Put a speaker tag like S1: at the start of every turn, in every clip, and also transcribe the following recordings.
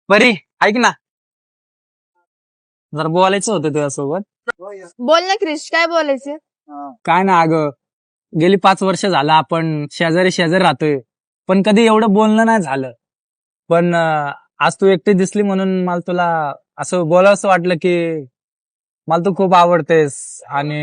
S1: बरी ऐक ना, जरा बोलायचं होतं तुझ्यासोबत.
S2: बोल ना क्रिश, काय बोलायचं?
S1: काय ना अगं, गेली 5 वर्ष झालं आपण शेजारी शेजारी राहतोय, पण कधी एवढं बोलणं नाही झालं. पण आज तू एकटी दिसली म्हणून मला तुला असं बोलावंसं वाटलं की मला तू खूप आवडतेस. आणि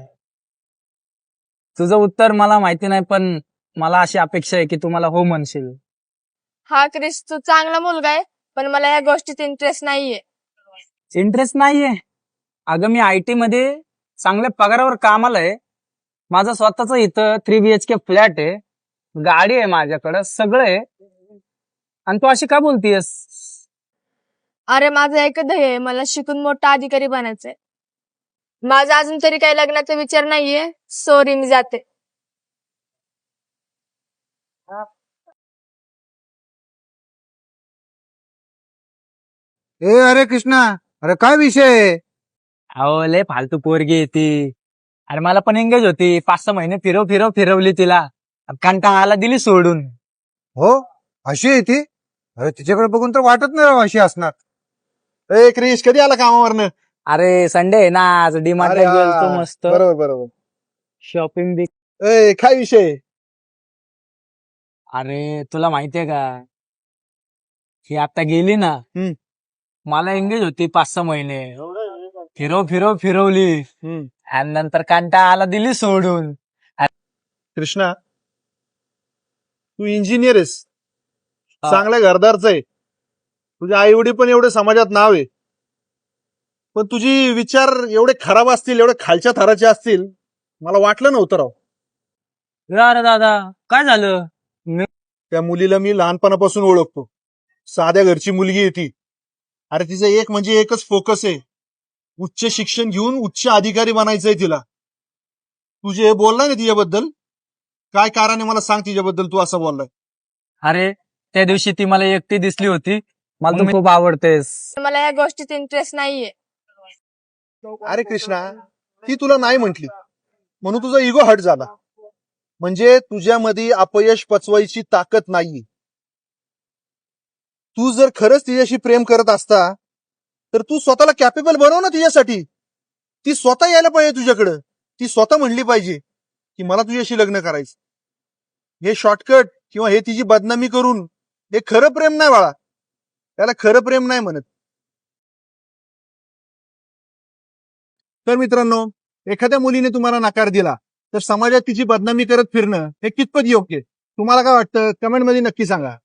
S1: तुझं उत्तर मला माहिती नाही, पण मला अशी अपेक्षा आहे की तू मला हो म्हणशील.
S2: हा क्रिश, तू चांगला मुलगा आहे, पण मला या गोष्टीत इंटरेस्ट नाहीये.
S1: इंटरेस्ट नाहीये? अगं मी IT मध्ये चांगल्या पगारावर कामाला आहे. माझं स्वतःच इथं 3 BHK फ्लॅट आहे, गाडी आहे माझ्याकडं, सगळं आहे. आणि तू अशी का बोलतीयस?
S2: अरे माझं एकच ध्येय आहे, मला शिकून मोठा अधिकारी बनायचंय. माझा अजून तरी काही लग्नाचा विचार नाहीये. सॉरी, मी जाते.
S3: अरे कृष्णा, अरे काय विषय आहे?
S1: अहो लय फालतू पोरगी आहे ती. अरे मला पण एंगेज होती, 5-6 महिने फिरवली तिला. कंटाळा आला, दिली सोडून.
S3: हो, अशी आहे ती? अरे तिच्याकडे बघून तर वाटत नाही राव अशी असणार. क्रिश, कधी आला कामावरनं?
S1: अरे संडे आहे ना आज, डीमार्टला
S3: अरे
S1: गेलतो
S3: हा,
S1: मस्त
S3: बरोबर बरोबर.
S1: शॉपिंग बी.
S3: काय विषय आहे?
S1: अरे तुला माहितीये का, ही आता गेली ना,
S3: हम्म.
S1: मला एंगेज होती 5-6 महिने. फिरवली. आणि नंतर कंटाळा आला, दिली सोडून.
S3: कृष्णा, तू इंजिनियर आहेस,
S1: हा.
S3: चांगल्या घरदारच आहे, तुझे आई वडील पण एवढे समाजात नाव आहे, पण तुझी विचार एवढे खराब असतील, एवढे खालच्या थराचे असतील, मला वाटलं नव्हतं राव.
S1: अरे दादा, काय झालं?
S3: त्या मुलीला मी लहानपणापासून ओळखतो. साध्या घरची मुलगी आहे ती. अरे तिचं एक म्हणजे एकच फोकस आहे, उच्च शिक्षण घेऊन उच्च अधिकारी बनायचंय तिला. तुझे हे बोललाय ना तिच्याबद्दल, काय कारण आहे मला सांग तिच्याबद्दल तू असं बोललाय?
S1: अरे त्या दिवशी ती मला एकटी दिसली होती, मला तू खूप आवडतेस.
S2: मला या गोष्टीत इंटरेस्ट नाहीये.
S3: अरे कृष्णा, ती तुला नाही म्हंटली म्हणून तुझा इगो हट झाला, म्हणजे तुझ्यामध्ये अपयश पचवायची ताकद नाहीये. तू जर खरंच तिच्याशी प्रेम करत असता तर तू स्वतःला कॅपेबल बनव ना तिच्यासाठी. ती स्वतः यायला पाहिजे तुझ्याकडं, ती स्वतः म्हणली पाहिजे की मला तुझ्याशी लग्न करायचं. हे शॉर्टकट किंवा हे तिची बदनामी करून हे खरं प्रेम नाही बाळा, त्याला खरं प्रेम नाही म्हणत. तर मित्रांनो, एखाद्या मुलीने तुम्हाला नकार दिला तर समाजात तिची बदनामी करत फिरणं हे कितपत योग्य? तुम्हाला काय वाटतं? कमेंटमध्ये नक्की सांगा.